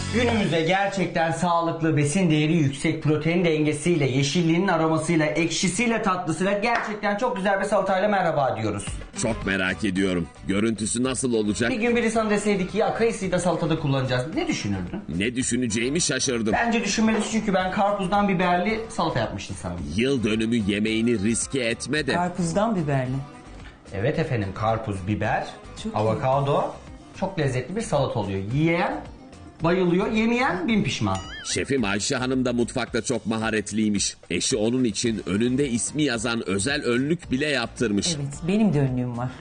Günümüzde gerçekten sağlıklı, besin değeri yüksek, protein dengesiyle, yeşilliğinin aromasıyla, ekşisiyle, tatlısıyla gerçekten çok güzel bir salatayla merhaba diyoruz. Çok merak ediyorum. Görüntüsü nasıl olacak? Bir gün biri sana deseydi ki ya kayısıyı da salatada kullanacağız. Ne düşünürdün? Ne düşüneceğimi şaşırdım. Bence düşünmelisin çünkü ben karpuzdan biberli salata yapmıştım sana. Yıl dönümü yemeğini riske etme de. Karpuzdan biberli. Evet efendim, karpuz, biber, Çok avokado çok lezzetli bir salata oluyor. Yiyen bayılıyor, yemeyen bin pişman. Şefim Ayşe Hanım da mutfakta çok maharetliymiş. Eşi onun için önünde ismi yazan özel önlük bile yaptırmış. Evet, benim de önlüğüm var.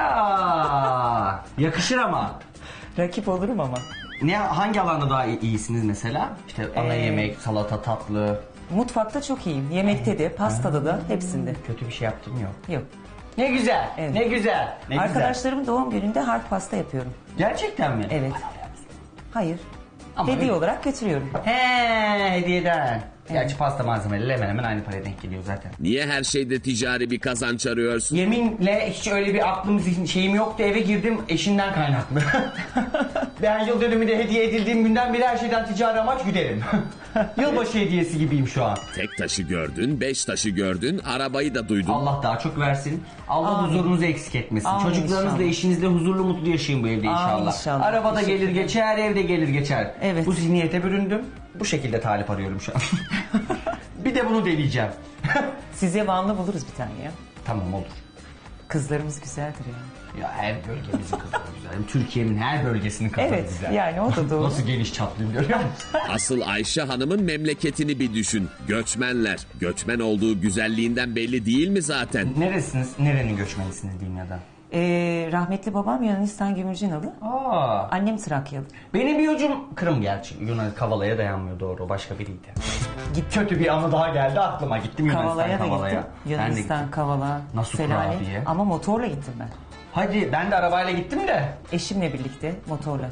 Ya yakışır ama. Rakip olurum ama. Hangi alanda daha iyisiniz mesela? İşte ana yemek, salata, tatlı. Mutfakta çok iyiyim. Yemekte de, pastada da, hepsinde. Kötü bir şey yaptım yok. Yok. Ne güzel, Evet. ne güzel, ne güzel. Arkadaşlarımın doğum gününde harp pasta yapıyorum. Gerçekten mi? Evet. Hayır. Ama Hediye öyle. olarak götürüyorum. He, hediyeden. Gerçi pasta malzemeleri hemen hemen aynı paraya denk geliyor zaten. Niye her şeyde ticari bir kazanç arıyorsun? Yeminle hiç öyle bir şeyim yoktu, eve girdim eşinden kaynaklı. Ben yıl dönümünde hediye edildiğim günden beri her şeyden ticari amaç güderim. Yılbaşı hediyesi gibiyim şu an. Tek taşı gördün, 5 taşı gördün, arabayı da duydun. Allah daha çok versin. Allah Amin. huzurunuzu eksik etmesin. Amin Çocuklarınızla, inşallah. eşinizle huzurlu mutlu yaşayın bu evde inşallah. inşallah. Arabada Teşekkür gelir ederim. geçer, evde gelir geçer. Evet. Bu zihniyete büründüm. Bu şekilde talip arıyorum şu an. Bir de bunu deneyeceğim. Size Vanlı buluruz bir tane ya. Tamam olur. Kızlarımız güzeldir ya. Ya her bölgemizin kızları güzel. Hem Türkiye'nin her bölgesinin kızları Evet, güzel. yani o da doğru. Nasıl geniş çaplıyım görüyor musun? Asıl Ayşe Hanım'ın memleketini bir düşün. Göçmenler. Göçmen olduğu güzelliğinden belli değil mi zaten? Neresiniz? Nerenin göçmenisiniz diyeyim ya da? Rahmetli babam Yunanistan Gümrücinalı. Aa, Annem Trakyalı. benim bir ucum Kırım gerçi. Yunan Kavala'ya dayanmıyor doğru. O başka biriydi. Kötü bir anı daha geldi aklıma. Gittim Yunanistan Kavala'ya da Kavala'ya. gittim. Ben de gittim. Yunanistan, Kavala, Nasıl Selanik. kurabiye? Ama motorla gittim ben. Hadi ben de arabayla gittim de. Eşimle birlikte motorla.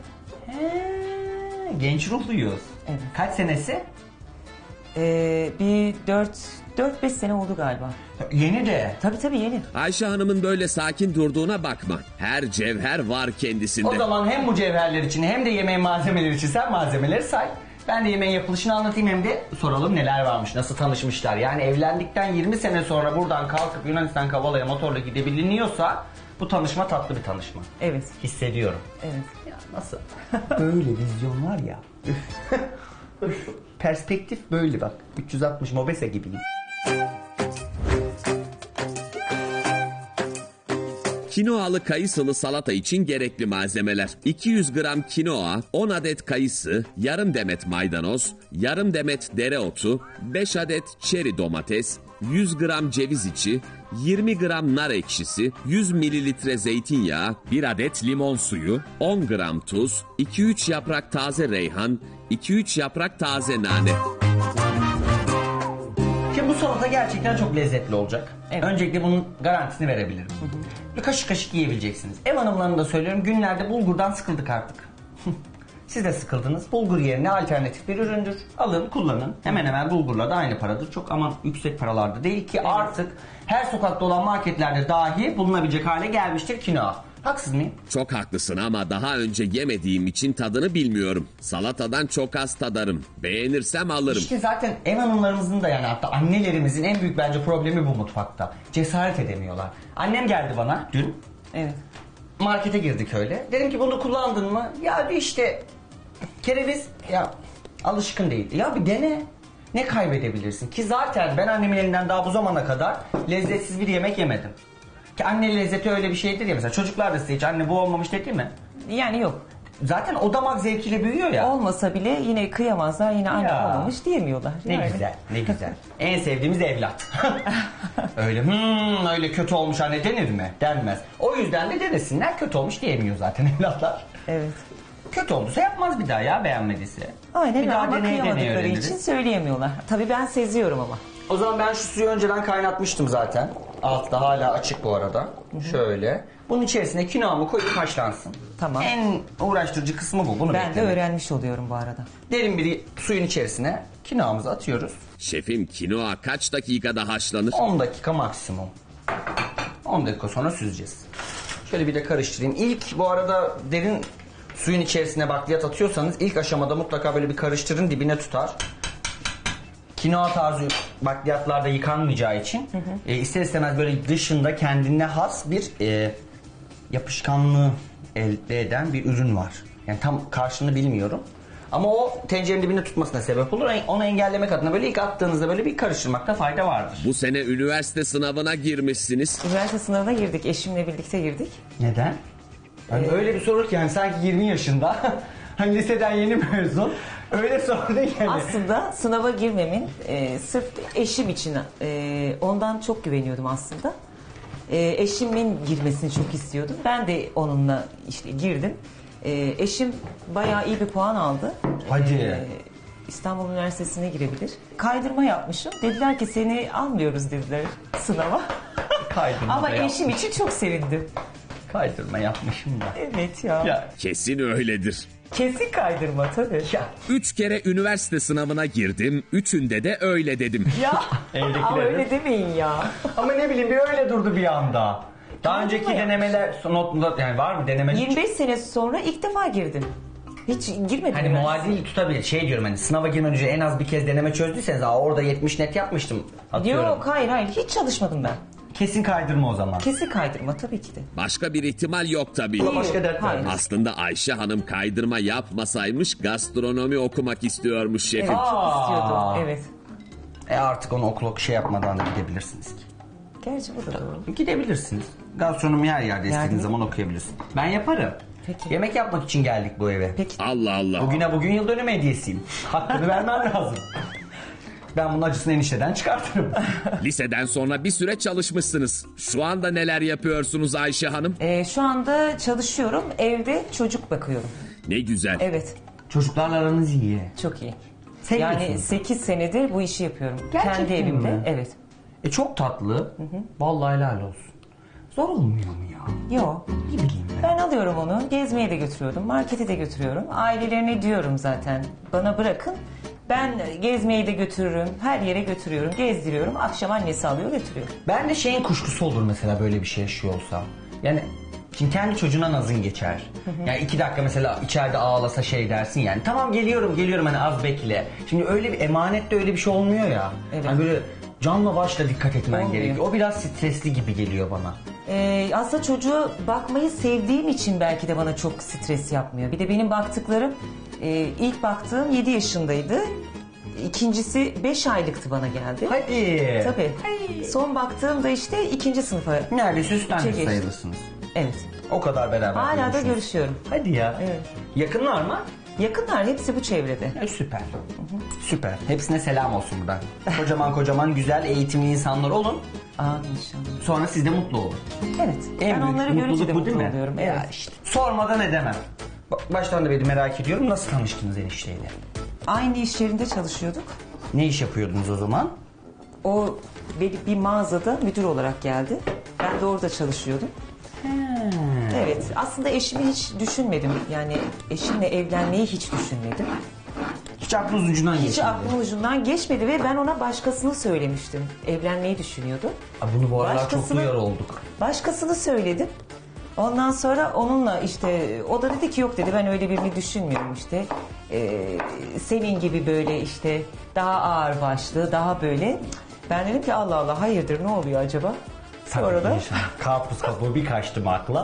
Genç ruhluyuz. Evet. Kaç senesi? Bir 4-5 sene oldu galiba. Yeni de. Tabii yeni. Ayşe Hanım'ın böyle sakin durduğuna bakma. Her cevher var kendisinde. O zaman hem bu cevherler için hem de yemeğin malzemeleri için sen malzemeleri say. Ben de yemeğin yapılışını anlatayım hem de soralım neler varmış, nasıl tanışmışlar. Yani evlendikten 20 sene sonra buradan kalkıp Yunanistan Kavala'ya motorla gidebiliniyorsa bu tanışma tatlı bir tanışma. Evet. Hissediyorum. Evet. Ya nasıl? Böyle vizyon var ya. Üf. Üf. Perspektif böyle bak. 360 Mobese gibi. Kinoalı kayısılı salata için gerekli malzemeler: 200 gram kinoa, 10 adet kayısı, yarım demet maydanoz, yarım demet dereotu, 5 adet çeri domates, 100 gram ceviz içi, 20 gram nar ekşisi, 100 mililitre zeytinyağı, 1 adet limon suyu, 10 gram tuz, 2-3 yaprak taze reyhan, 2-3 yaprak taze nane. Şimdi bu salata gerçekten çok lezzetli olacak. Evet. Öncelikle bunun garantisini verebilirim. Bir kaşık kaşık yiyebileceksiniz. Ev hanımlarına da söylüyorum, günlerde bulgurdan sıkıldık artık. Siz de sıkıldınız. Bulgur yerine alternatif bir üründür. Alın, kullanın. Hemen hemen bulgurla da aynı paradır. Çok aman yüksek paralarda değil ki artık her sokakta olan marketlerde dahi bulunabilecek hale gelmiştir kinoa. Haksız mıyım? Çok haklısın ama daha önce yemediğim için tadını bilmiyorum. Salatadan çok az tadarım. Beğenirsem alırım. İşte zaten ev hanımlarımızın da yani hatta annelerimizin en büyük bence problemi bu mutfakta. Cesaret edemiyorlar. Annem geldi bana dün. Evet. Markete girdik öyle. Dedim ki bunu kullandın mı? Ya bir işte kereviz ya alışkın değil. Ya bir dene. Ne kaybedebilirsin? Ki zaten ben annemin elinden daha bu zamana kadar lezzetsiz bir yemek yemedim. Ki anne lezzeti öyle bir şeydir ya mesela çocuklar da size hiç anne bu olmamış dedi mi? Yani yok. Zaten o damak zevkiyle büyüyor ya. Olmasa bile yine kıyamazlar, yine anne Ya. olmamış diyemiyorlar. Ne Yani. güzel, ne güzel. En sevdiğimiz evlat. Öyle öyle kötü olmuş anne denir mi? Denmez. O yüzden de denesinler, kötü olmuş diyemiyor zaten evlatlar. Evet. Kötü olduysa yapmaz bir daha ya, beğenmediyse. Aynen bir daha ama deneye deneye kıyamadıkları öğreniriz. için söyleyemiyorlar. Tabii ben seziyorum ama. O zaman ben şu suyu önceden kaynatmıştım zaten. Altta hala açık bu arada. Şöyle. Bunun içerisine kinoamı koyup haşlansın. Tamam. En uğraştırıcı kısmı bu. Bunu Ben de beklemek. öğrenmiş oluyorum bu arada. Derin bir suyun içerisine kinoamızı atıyoruz. Şefim, kinoa kaç dakikada haşlanır? 10 dakika maksimum. 10 dakika sonra süzeceğiz. Şöyle bir de karıştırayım. İlk bu arada derin Suyun içerisine bakliyat atıyorsanız ilk aşamada mutlaka böyle bir karıştırın, dibine tutar. Kinoa tarzı bakliyatlarda yıkanmayacağı için ister istemez böyle dışında kendine has bir yapışkanlığı elde eden bir ürün var. Yani tam karşılığını bilmiyorum. Ama o tencerenin dibine tutmasına sebep olur. Onu engellemek adına böyle ilk attığınızda böyle bir karıştırmakta fayda vardır. Bu sene üniversite sınavına girmişsiniz. Üniversite sınavına girdik. Eşimle birlikte girdik. Neden? Hani öyle bir soru ki yani sanki 20 yaşında hani liseden yeni mezun öyle sordun yani. Aslında sınava girmemin sırf eşim için ondan çok güveniyordum aslında. Eşimin girmesini çok istiyordum. Ben de onunla işte girdim. Eşim bayağı iyi bir puan aldı. Hadi. İstanbul Üniversitesi'ne girebilir. Kaydırma yapmışım. Dediler ki seni almıyoruz dediler sınava. Kaydırma Ama da eşim için çok sevindim. Kaydırma yapmışım da. Evet ya. Ya. Kesin öyledir. Kesin kaydırma tabii. Ya. 3 kere üniversite sınavına girdim. Üçünde de öyle dedim. Ya. Evdekiler Ama de- öyle demeyin ya. Ama ne bileyim bir öyle durdu bir anda. Daha önceki Kaydırma denemeler notunda yani var mı deneme? 25 sene sonra ilk defa girdim. Hiç girmedim. Hani üniversiteye. muadil tutabilir. Şey diyorum hani sınava girmeden önce en az bir kez deneme çözdüyseniz orada 70 net yapmıştım. Atıyorum. Yok hayır hiç çalışmadım ben. Kesin kaydırma o zaman. Kesin kaydırma tabii ki de. Başka bir ihtimal yok tabii. Yok, başka dert Hayır. vermez. Aslında Ayşe Hanım kaydırma yapmasaymış gastronomi okumak istiyormuş şefim. Evet çok Aa. istiyordum. Evet. Artık onu okul şey yapmadan da gidebilirsiniz ki. Gerçi bu da doğru. Gidebilirsiniz. Gastronomi her yerde istediğiniz Yani- zaman okuyabilirsiniz. Ben yaparım. Peki. Yemek yapmak için geldik bu eve. Peki. Allah Allah. Bugün yıl dönümü hediyesiyim. Hakkını vermem lazım. Ben bunun acısını enişteden çıkartırım. Liseden sonra bir süre çalışmışsınız. Şu anda neler yapıyorsunuz Ayşe Hanım? Şu anda çalışıyorum. Evde çocuk bakıyorum. Ne güzel. Evet. Çocuklarla aranız iyi. Çok iyi. Seviyorsunuz. Yani 8 senedir bu işi yapıyorum. Gerçekten Kendi evimde. mi? Evet. Çok tatlı. Vallahi helal olsun. Zor olmuyor mu ya? Yok. Ne bileyim ben. Ben alıyorum onu. Gezmeye de götürüyorum. Markete de götürüyorum. Ailelerine diyorum zaten. Bana bırakın. Ben gezmeyi de götürürüm. Her yere götürüyorum. Gezdiriyorum. Akşam annesi alıyor götürüyor. Ben de şeyin kuşkusu olur mesela böyle bir şey yaşıyor olsam. Yani şimdi kendi çocuğuna nazın geçer. Yani 2 dakika mesela içeride ağlasa şey dersin yani. Tamam geliyorum hani az bekle. Şimdi öyle bir emanette öyle bir şey olmuyor ya. Evet. Hani böyle canla başla dikkat etmen Olmuyor. gerekiyor. O biraz stresli gibi geliyor bana. Aslında çocuğu bakmayı sevdiğim için belki de bana çok stres yapmıyor. Bir de benim baktıklarım ilk baktığım 7 yaşındaydı. İkincisi 5 aylıktı bana geldi. Hadi. Tabii. Son baktığım da işte 2. sınıfa. Neredeyse üstten Üçe geçti. sayılırsınız. Evet. O kadar beraber Hala da görüşüyorsunuz. görüşüyorum. Hadi ya. Evet. Yakınlar mı? Yakınlar hepsi bu çevrede. Süper. Süper. Hepsine selam olsun buradan. Kocaman güzel eğitimli insanlar olun. Amin inşallah. Sonra siz de mutlu olun. Evet. Ben onları görünce de mutlu oluyorum. Evet. Ya işte. Sormadan edemem. Baştan da beni merak ediyorum. Nasıl tanıştınız enişteyle? Aynı iş yerinde çalışıyorduk. Ne iş yapıyordunuz o zaman? O bir mağazada müdür olarak geldi. Ben de orada çalışıyordum. Evet. Aslında eşimi hiç düşünmedim. Yani eşimle evlenmeyi hiç düşünmedim. Hiç aklınız ucundan Hiç geçmedi. aklımın ucundan geçmedi ve ben ona başkasını söylemiştim. Evlenmeyi düşünüyordu. Bunu bu aralar çok Başkasını- duyar olduk. Başkasını söyledim. Ondan sonra onunla işte o da dedi ki yok dedi ben öyle birini düşünmüyorum işte. Senin gibi böyle işte daha ağır başlı daha böyle. Ben dedim ki Allah Allah hayırdır ne oluyor acaba? Sonra da Karpuz kabuğu bir kaçtım akla.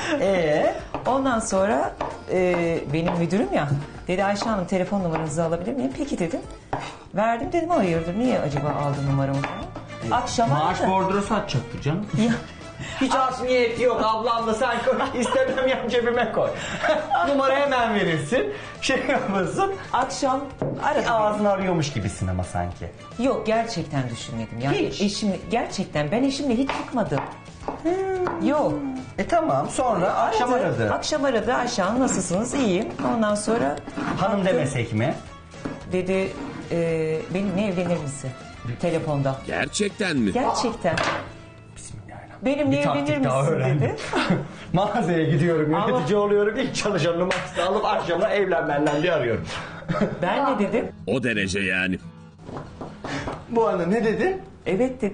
ondan sonra benim müdürüm ya dedi Ayşe Hanım telefon numaranızı alabilir miyim? Peki dedim. Verdim dedim hayırdır niye acaba aldın numaramı falan. Akşam Maaş aradı. bordrosu atacaktı canım. Ya, Hiç art niyeti yok ablam da sen koy. İstemem yap cebime koy. Numara hemen verirsin. Şey yapmasın. akşam aradı. beni. Ağzını arıyormuş gibisin ama sanki. Yok gerçekten düşünmedim. Yani Hiç. eşimle gerçekten ben eşimle hiç çıkmadım. Yok. Tamam sonra akşam aradı. Akşam aradı Ayşe Hanım nasılsınız? İyiyim. Ondan sonra Hanım demesek mi? dedi benimle evlenir misin? Telefonda. Gerçekten mi? Gerçekten. Bismillahirrahmanirrahim. Benimle Bir taktik evlenir daha misin öğrendim. dedi. Mağazaya gidiyorum, Ama- yönetici oluyorum. İlk çalışan numarasını alıp akşama evlen benden diye arıyorum. Ben ne dedim? O derece yani. Bu anda ne dedin? Evet dedim.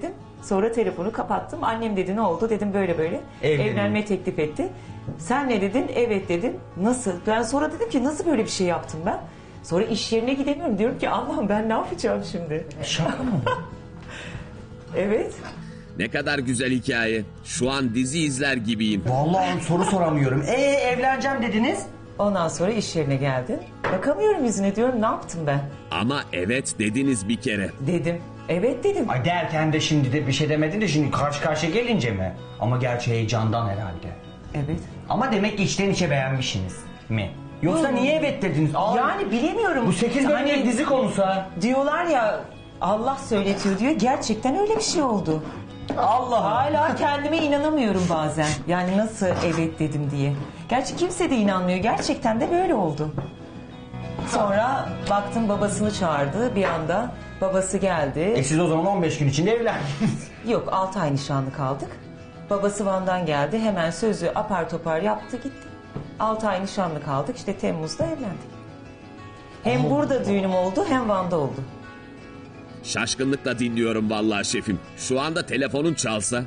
Sonra telefonu kapattım. Annem dedi ne oldu? Dedim böyle böyle. Evlenin. Evlenme teklif etti. Sen ne dedin? Evet dedim. Nasıl? Ben sonra dedim ki nasıl böyle bir şey yaptım ben? Sonra iş yerine gidemiyorum. Diyorum ki Allah'ım ben ne yapacağım şimdi? Şaka mı? Evet. Ne kadar güzel hikaye. Şu an dizi izler gibiyim. Vallahi soru soramıyorum. Evleneceğim dediniz. Ondan sonra iş yerine geldim. Bakamıyorum yüzüne diyorum ne yaptım ben? Ama evet dediniz bir kere. Dedim. Evet dedim. Ay derken de şimdi de bir şey demedin de şimdi karşı karşıya gelince mi? Ama gerçi heyecandan herhalde. Evet. Ama demek ki içten içe beğenmişsiniz mi? Yoksa niye evet dediniz? Yani bilemiyorum. Bu 8 Hani bölümlük dizi konusu ha. diyorlar ya Allah söyletiyor diyor. Gerçekten öyle bir şey oldu. Allah. Hala kendime inanamıyorum bazen. Yani nasıl evet dedim diye. Gerçi kimse de inanmıyor. Gerçekten de böyle oldu. Sonra baktım babasını çağırdı bir anda. Babası geldi. Siz o zaman 15 gün içinde evlendiniz. Yok 6 ay nişanlı kaldık. Babası Van'dan geldi. Hemen sözü apar topar yaptı gitti. 6 ay nişanlı kaldık. İşte Temmuz'da evlendik. Hem burada düğünüm oldu hem Van'da oldu. Şaşkınlıkla dinliyorum vallahi şefim. Şu anda telefonun çalsa.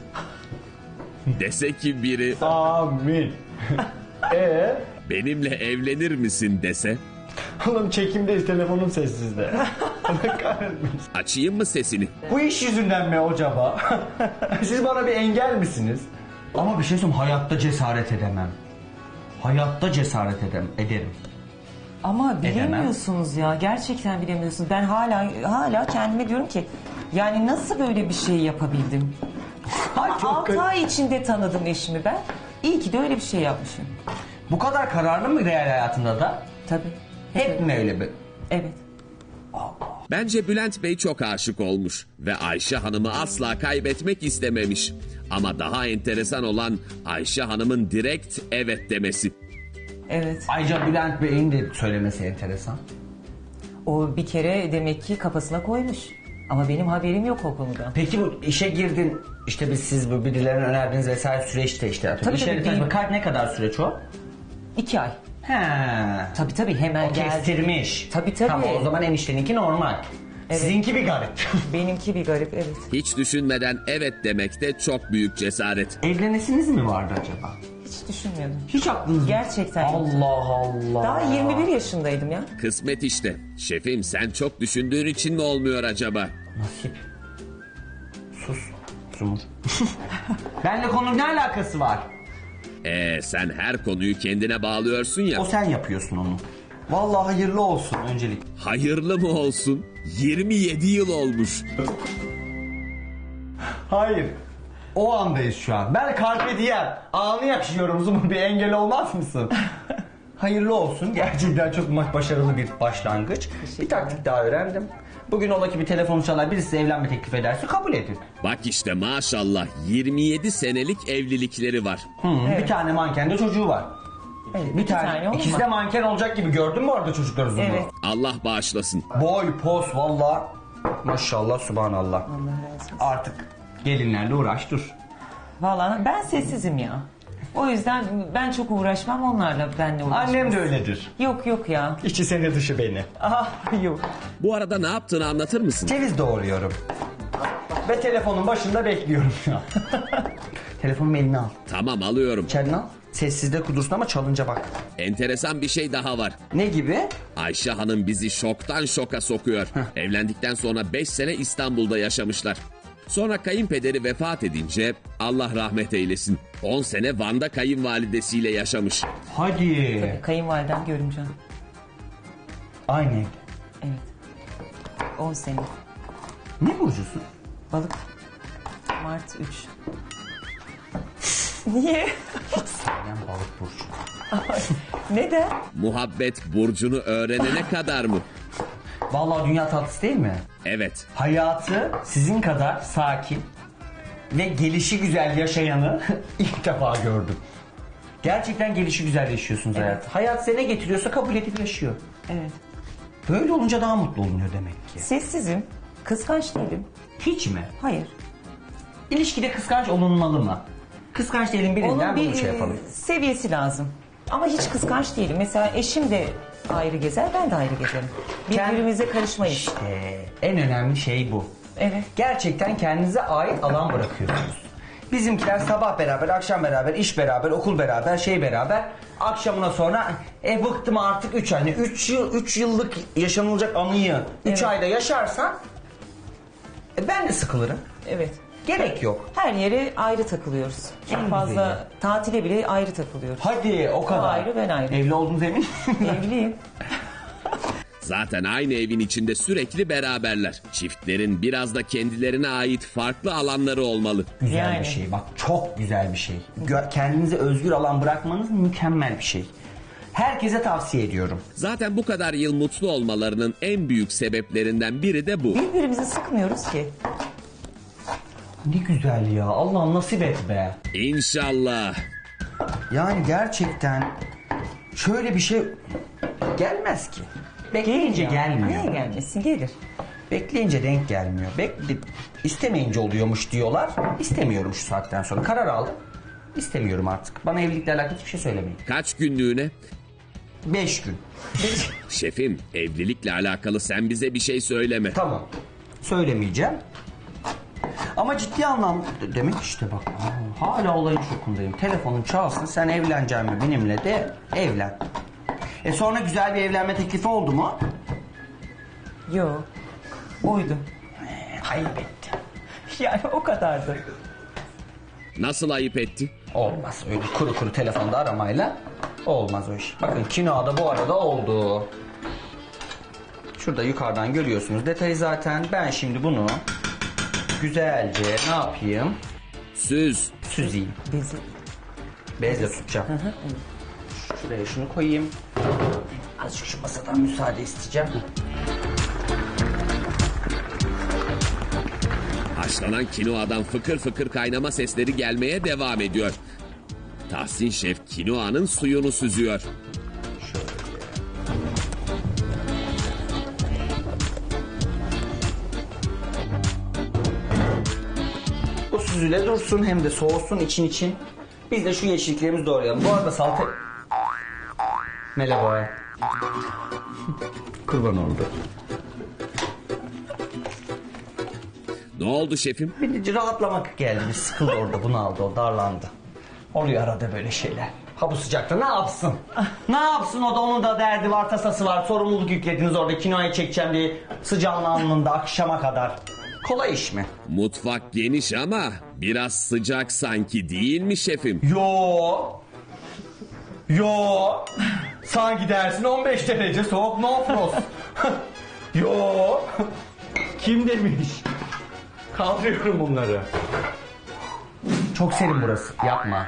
Dese ki biri Amin. benimle evlenir misin dese. Oğlum çekimdeyiz, telefonum sessizde. Allah kahretmesin. Açayım mı sesini? Bu iş yüzünden mi acaba? Siz bana bir engel misiniz? Ama bir şey söyleyeyim, hayatta cesaret edemem. Hayatta cesaret ederim. Ama bilemiyorsunuz ya. Gerçekten bilemiyorsunuz. Ben hala kendime diyorum ki yani nasıl böyle bir şey yapabildim? Ay, çok 6 kötü. ay içinde tanıdım eşimi ben. İyi ki de öyle bir şey yapmışım. Bu kadar kararlı mı real hayatında da? Tabii. Hep mi öyle bir? Evet. Bence Bülent Bey çok aşık olmuş ve Ayşe Hanım'ı asla kaybetmek istememiş. Ama daha enteresan olan Ayşe Hanım'ın direkt evet demesi. Evet. Ayrıca Bülent Bey'in de söylemesi enteresan. O bir kere demek ki kafasına koymuş. Ama benim haberim yok o konuda. Peki bu işe girdin, işte siz bu birilerine önerdiniz vesaire süreçte işte. Tabii, İş tabii, yeri değil. tanışma. Ne kadar süreç o? 2 ay. He. Tabii hemen O geldi. kestirmiş. Tabii. Tamam, o zaman enişteninki normal. Evet. Sizinki bir garip. Benimki bir garip evet. Hiç düşünmeden evet demek de çok büyük cesaret. Evlenesiniz mi vardı acaba? Hiç düşünmüyordum. Hiç aklınız Gerçekten yok. Allah Allah. Daha 21 yaşındaydım ya. Kısmet işte. Şefim sen çok düşündüğün için mi olmuyor acaba? Nasip. Sus. Sumur. Benle konunun ne alakası var? Sen her konuyu kendine bağlıyorsun ya. O sen yapıyorsun onu. Vallahi hayırlı olsun öncelik. Hayırlı mı olsun? 27 yıl olmuş. Hayır. O andayız şu an. Ben carpe diem. Anı yaşıyorum Zumur, bir engel olmaz mısın? Hayırlı olsun. Gerçekten çok başarılı bir başlangıç. Bir taktik daha öğrendim. Bugün ola ki bir telefon çalar, birisi evlenme teklif ederse kabul edin. Bak işte maşallah 27 senelik evlilikleri var. Bir tane manken de çocuğu var. Evet, Bir iki tane. oldu İkisi mu? de manken olacak gibi, gördün mü orada çocukları Zumur? Evet. Allah bağışlasın. Boy, pos valla. Maşallah, subhanallah. Allah razı olsun. Artık gelinlerle uğraş dur. Vallahi ben sessizim ya. O yüzden ben çok uğraşmam onlarla benle uğraşmam. Annem de öyledir. Yok ya. İçi seni dışı beni. Ah yok. Bu arada ne yaptığını anlatır mısın? Ceviz doğruyorum. Ve telefonun başında bekliyorum şu an. Telefonumu eline al. Tamam alıyorum. İçeriden al. Sessizde kudursun ama çalınca bak. Enteresan bir şey daha var. Ne gibi? Ayşe Hanım bizi şoktan şoka sokuyor. Evlendikten sonra 5 sene İstanbul'da yaşamışlar. Sonra kayınpederi vefat edince Allah rahmet eylesin. 10 sene Van'da kayınvalidesiyle yaşamış. Hadi. Kayınvalidem görümcem. Aynı evde. Evet. 10 sene. Ne burcusun? Balık. Mart 3. Niye? Ben balık burcu. Neden? Muhabbet burcunu öğrenene kadar mı? Vallahi dünya tatlısı değil mi? Evet. Hayatı sizin kadar sakin ve gelişi güzel yaşayanı ilk defa gördüm. Gerçekten gelişi güzel yaşıyorsunuz hayat. Hayat size ne getiriyorsa kabul edip yaşıyor. Evet. Böyle olunca daha mutlu olunuyor demek ki. Sessizim. Kıskanç değilim. Hiç mi? Hayır. İlişkide kıskanç olunmalı mı? Kıskanç değilim, birinden Onun bunu bir şey yapalım. seviyesi lazım. Ama hiç kıskanç değilim. Mesela eşim de ayrı gezer, ben de ayrı gezerim. Birbirimize karışmayız. En önemli şey bu. Evet. Gerçekten kendinize ait alan bırakıyorsunuz. Bizimkiler sabah beraber, akşam beraber, iş beraber, okul beraber, şey beraber. Akşamına sonra bıktım artık 3 ay. 3 yıllık yaşanılacak anıyı 3 Evet. ayda yaşarsan ben de sıkılırım. Evet. Gerek yok. Her yere ayrı takılıyoruz. En Çok fazla güzeli. tatile bile ayrı takılıyoruz. Hadi o kadar. ayrı, ben ayrı. Evli olduğunuz emin Evliyim. Zaten aynı evin içinde sürekli beraberler. Çiftlerin biraz da kendilerine ait farklı alanları olmalı. Güzel Yani. bir şey. Bak çok güzel bir şey. Kendinize özgür alan bırakmanız mükemmel bir şey. Herkese tavsiye ediyorum. Zaten bu kadar yıl mutlu olmalarının en büyük sebeplerinden biri de bu. Birbirimizi sıkmıyoruz ki. Ne güzel ya. Allah nasip et be. İnşallah. Yani gerçekten şöyle bir şey gelmez ki. Bekleyince gelmiyor. Niye gelmesin? Gelir. Bekleyince denk gelmiyor. İstemeyince oluyormuş diyorlar. İstemiyorum şu saatten sonra. Karar aldım. İstemiyorum artık. Bana evlilikle alakalı hiçbir şey söylemeyin. Kaç günlüğüne? 5 gün. Şefim, evlilikle alakalı sen bize bir şey söyleme. Tamam. Söylemeyeceğim. Ama ciddi anlamda demek işte bak. Hala olayın şokundayım. Telefonun çalsın, sen evleneceksin mi benimle de evlen. Sonra güzel bir evlenme teklifi oldu mu? Yok. Oydu. Kaybetti. Yani o kadardı. Nasıl ayıp etti? Olmaz öyle kuru kuru telefonda aramayla olmaz o iş. Bakın kinoada bu arada oldu. Şurada yukarıdan görüyorsunuz detayı zaten. Ben şimdi bunu güzelce ne yapayım? Süz. Süzeyim. Bezi. Bezle tutacağım. Şuraya şunu koyayım. Azıcık şu masadan müsaade isteyeceğim. Haşlanan kinoadan fıkır fıkır kaynama sesleri gelmeye devam ediyor. Tahsin Şef kinoanın suyunu süzüyor. Bu süzüle dursun hem de soğusun için. Biz de şu yeşilliklerimizi doğrayalım. Bu arada salata... Merhaba. Kurban oldu. Ne oldu şefim? Bir rahatlamak geldi. Bir sıkıldı orada, bunu aldı, o darlandı. Oluyor arada böyle şeyler. Ha bu sıcakta ne yapsın? Ne yapsın o da, onun da derdi var, tasası var. Sorumluluk yüklediniz orada, kinoayı çekeceğim diye sıcağın alnında akşama kadar. Kolay iş mi? Mutfak geniş ama biraz sıcak sanki değil mi şefim? Yo. Sanki dersin 15 derece soğuk, no frost. Yo. Kim demiş? Kaldırıyorum bunları. Çok serin burası. Yapma.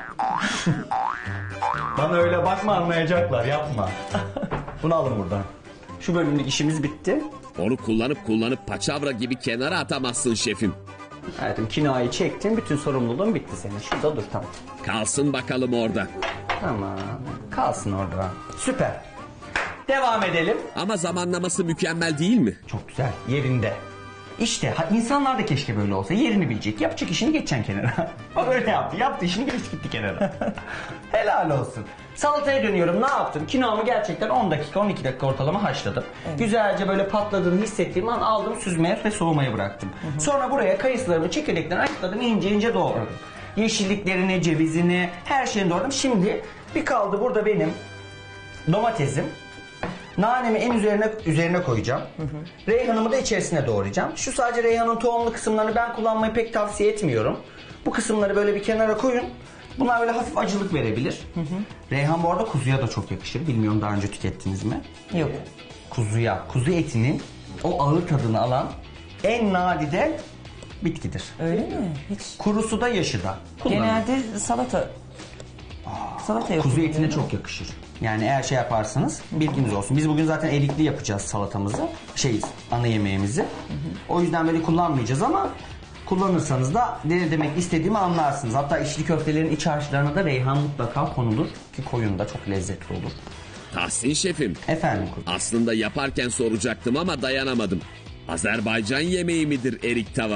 Bana öyle bakma, anlayacaklar. Yapma. Bunu alın buradan. Şu bölümlük işimiz bitti. Onu kullanıp paçavra gibi kenara atamazsın şefim. Hayatım kinoayı çektim. Bütün sorumluluğun bitti senin. Şurada dur, tamam. Kalsın bakalım orada. Tamam. Kalsın orada. Süper. Devam edelim. Ama zamanlaması mükemmel değil mi? Çok güzel. Yerinde. İşte insanlar da keşke böyle olsa. Yerini bilecek. Yapacak işini geçeceksin kenara. O öyle yaptı. Yaptı işini, geç gitti kenara. Helal olsun. Salataya dönüyorum. Ne yaptım? Kinoamı gerçekten 10 dakika 12 dakika ortalama haşladım. Evet. Güzelce böyle patladığını hissettiğim an aldım, süzmeye ve soğumaya bıraktım. Sonra buraya kayısılarımı çekirdekten ayıkladım, ince ince doğradım. Yeşilliklerini, cevizini, her şeyini doğradım. Şimdi bir kaldı burada benim domatesim. Nanemi en üzerine koyacağım. Reyhanımı da içerisine doğrayacağım. Şu sadece reyhanın tohumlu kısımlarını ben kullanmayı pek tavsiye etmiyorum. Bu kısımları böyle bir kenara koyun. Bunlar böyle hafif acılık verebilir. Reyhan bu arada kuzuya da çok yakışır. Bilmiyorum daha önce tükettiniz mi? Yok. Kuzu etinin o ağır tadını alan en nadide bitkidir. Öyle mi? Hiç. Kurusu da yaşı da. Kullanın. Genelde salata yapılıyor. Kuzu etine çok yakışır. Yani eğer şey yaparsanız bilginiz olsun. Biz bugün zaten erikli yapacağız salatamızı. Ana yemeğimizi. O yüzden böyle kullanmayacağız ama kullanırsanız da ne demek istediğimi anlarsınız. Hatta içli köftelerin iç harçlarına da reyhan mutlaka konulur. Ki koyun da çok lezzetli olur. Tahsin Şefim, Efendim? aslında yaparken soracaktım ama dayanamadım. Azerbaycan yemeği midir erik tava?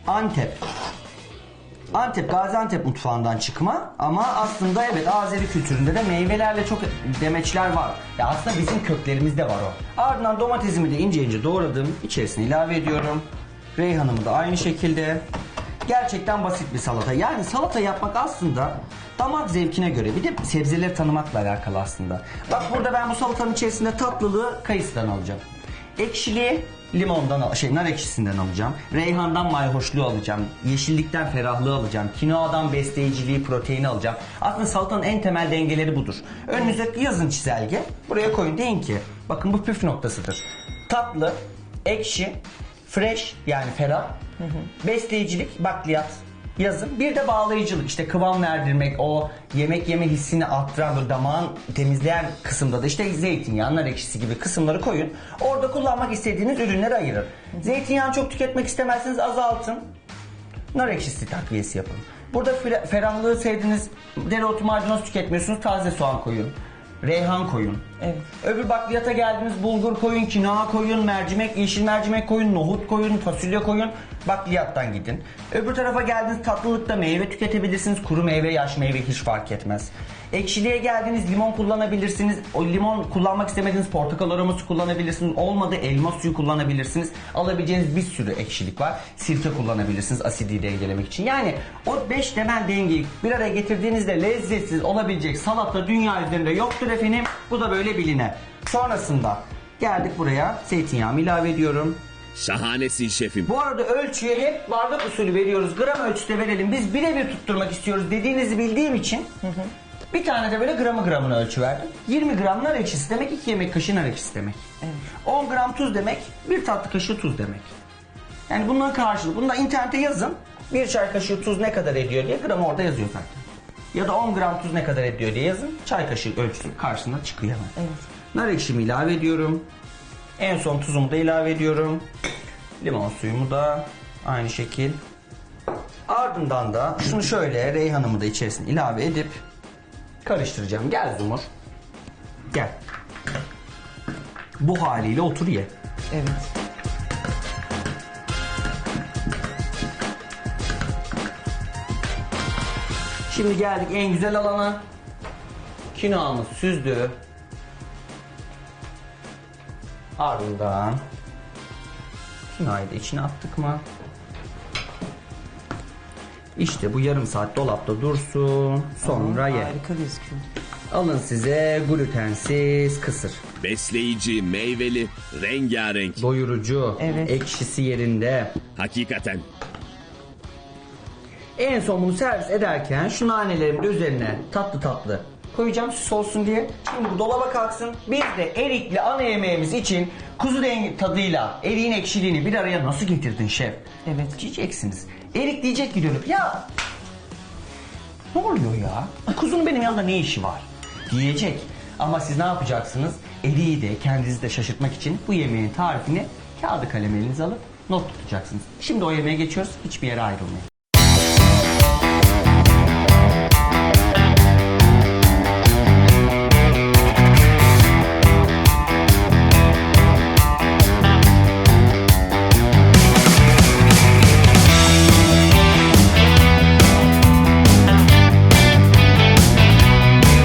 Antep, Gaziantep mutfağından çıkma ama aslında evet Azeri kültüründe de meyvelerle çok demeçler var. Ya aslında bizim köklerimizde var o. Ardından domatesimi de ince ince doğradım. İçerisine ilave ediyorum. Reyhanımı da aynı şekilde. Gerçekten basit bir salata. Yani salata yapmak aslında damak zevkine göre, bir de sebzeleri tanımakla alakalı aslında. Bak burada ben bu salatanın içerisinde tatlılığı kayısıdan alacağım. Ekşiliği limondan, nar ekşisinden alacağım. Reyhandan mayhoşluğu alacağım. Yeşillikten ferahlığı alacağım. Kinoadan besleyiciliği, proteini alacağım. Aslında salatanın en temel dengeleri budur. Önünüze yazın çizelge. Buraya koyun, deyin ki bakın bu püf noktasıdır. Tatlı, ekşi, fresh yani ferah, besleyicilik, bakliyat yazın. Bir de bağlayıcılık, işte kıvam verdirmek, o yemek yeme hissini arttıran, böyle damağın temizleyen kısımda da işte zeytinyağı, nar ekşisi gibi kısımları koyun. Orada kullanmak istediğiniz ürünleri ayırın. Zeytinyağını çok tüketmek istemezseniz azaltın. Nar ekşisi takviyesi yapın. Burada ferahlığı sevdiğiniz dereotu, maydanoz tüketmiyorsunuz, taze soğan koyun. Reyhan koyun. Evet. Öbür bakliyata geldiniz, bulgur koyun, kinoa koyun, mercimek, yeşil mercimek koyun, nohut koyun, fasulye koyun. Bakliyattan gidin. Öbür tarafa geldiniz, tatlılıkta meyve tüketebilirsiniz. Kuru meyve, yaş meyve hiç fark etmez. Ekşiliğe geldiniz, limon kullanabilirsiniz. O limon kullanmak istemediğiniz portakal aroması kullanabilirsiniz. Olmadı elma suyu kullanabilirsiniz. Alabileceğiniz bir sürü ekşilik var. Sirke kullanabilirsiniz asidi dengelemek için. Yani o 5 temel dengeyi bir araya getirdiğinizde lezzetsiz olabilecek salata dünya üzerinde yoktur efendim. Bu da böyle biline. Sonrasında geldik buraya, zeytinyağımı ilave ediyorum. Şahanesin şefim. Bu arada ölçüyü hep bardak usulü veriyoruz. Gram ölçüde verelim. Biz birebir tutturmak istiyoruz dediğinizi bildiğim için bir tane de böyle gramına ölçü verdim. 20 gram nar ekşisi demek 2 yemek kaşığı nar ekşisi demek. Evet. 10 gram tuz demek 1 tatlı kaşığı tuz demek. Yani bunların karşılığı. Bunu da internete yazın. 1 çay kaşığı tuz ne kadar ediyor diye, gramı orada yazıyor zaten. Ya da 10 gram tuz ne kadar ediyor diye yazın. Çay kaşığı ölçüsü karşısında çıkıyor hemen. Evet. Nar ekşimi ilave ediyorum. En son tuzumu da ilave ediyorum. Limon suyumu da aynı şekil. Ardından da şunu şöyle reyhanımı da içerisine ilave edip karıştıracağım. Gel Zumur. Gel. Bu haliyle otur ye. Evet. Şimdi geldik en güzel alana. Kinoamız süzdü. Ardından kinoayı da içine attık mı? İşte bu yarım saat dolapta dursun. Sonra ye. Harika gözüküyor. Alın size glutensiz kısır. Besleyici, meyveli, rengarenk. Doyurucu. Evet. Ekşisi yerinde. Hakikaten. En son bunu servis ederken şu nanelerimin de üzerine tatlı tatlı koyacağım süs olsun diye. Şimdi bu dolaba kalksın. Biz de erikli ana yemeğimiz için kuzu tadıyla eriğin ekşiliğini bir araya nasıl getirdin şef? Evet. Diyeceksiniz. Erik diyecek ki dönüp ya ne oluyor ya? Kuzunun benim yanımda ne işi var? Diyecek. Ama siz ne yapacaksınız? Eriği de kendinizi de şaşırtmak için bu yemeğin tarifini kağıdı kalem elinize alıp not tutacaksınız. Şimdi o yemeğe geçiyoruz. Hiçbir yere ayrılmayın.